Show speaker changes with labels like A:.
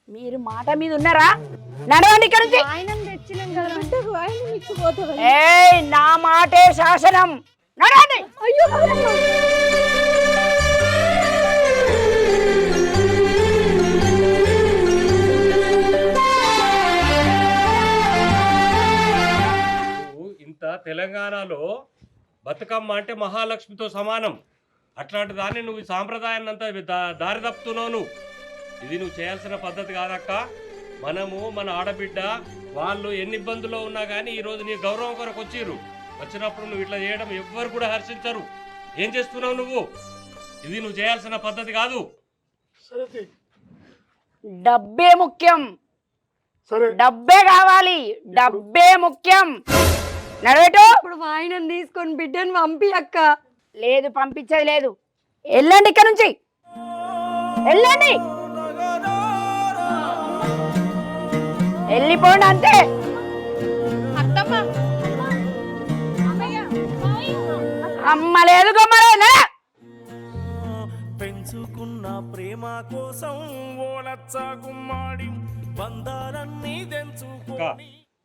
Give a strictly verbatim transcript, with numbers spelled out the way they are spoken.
A: మీరు మాట మీద ఉన్నారా? నడవండి ఇక్కడ నుంచి. ఏయ్, నా మాటే శాసనం. నడవండి. అయ్యో
B: ఇంత తెలంగాణలో బతుకమ్మ అంటే మహాలక్ష్మితో సమానం. అట్లాంటి దాన్ని నువ్వు ఈ సాంప్రదాయాన్ని అంతా దారి తప్పుతున్నావు. నువ్వు ఇది నువ్వు చేయాల్సిన పద్ధతి కాదక్క. మనము మన ఆడబిడ్డ వాళ్ళు ఎన్ని ఇబ్బందుల్లో ఉన్నా కానీ ఈరోజు నీ గౌరవం కొరకు వచ్చిర్రు. వచ్చినప్పుడు నువ్వు ఇట్లా చేయడం ఎవ్వరు కూడా హర్షించరు. ఏం చేస్తున్నావు నువ్వు? ఇది నువ్వు చేయాల్సిన పద్ధతి కాదు.
A: డబ్బే ముఖ్యం. డబ్బే కావాలి. డబ్బే ముఖ్యం. నడవేటు.
C: ఇప్పుడు వాయినం తీసుకొని బిడ్డను పంపి అక్క.
A: లేదు, పంపించేది లేదు. వెళ్ళండి ఇక్కడ నుంచి, వెళ్ళండి, వెళ్ళిపోండి అంతే. అమ్మ లేదు గమ్మరే.
D: పెంచుకున్న ప్రేమ కోసం ఓలచ్చ గుమ్మాడి బంధాలన్నీ తెంచుకొని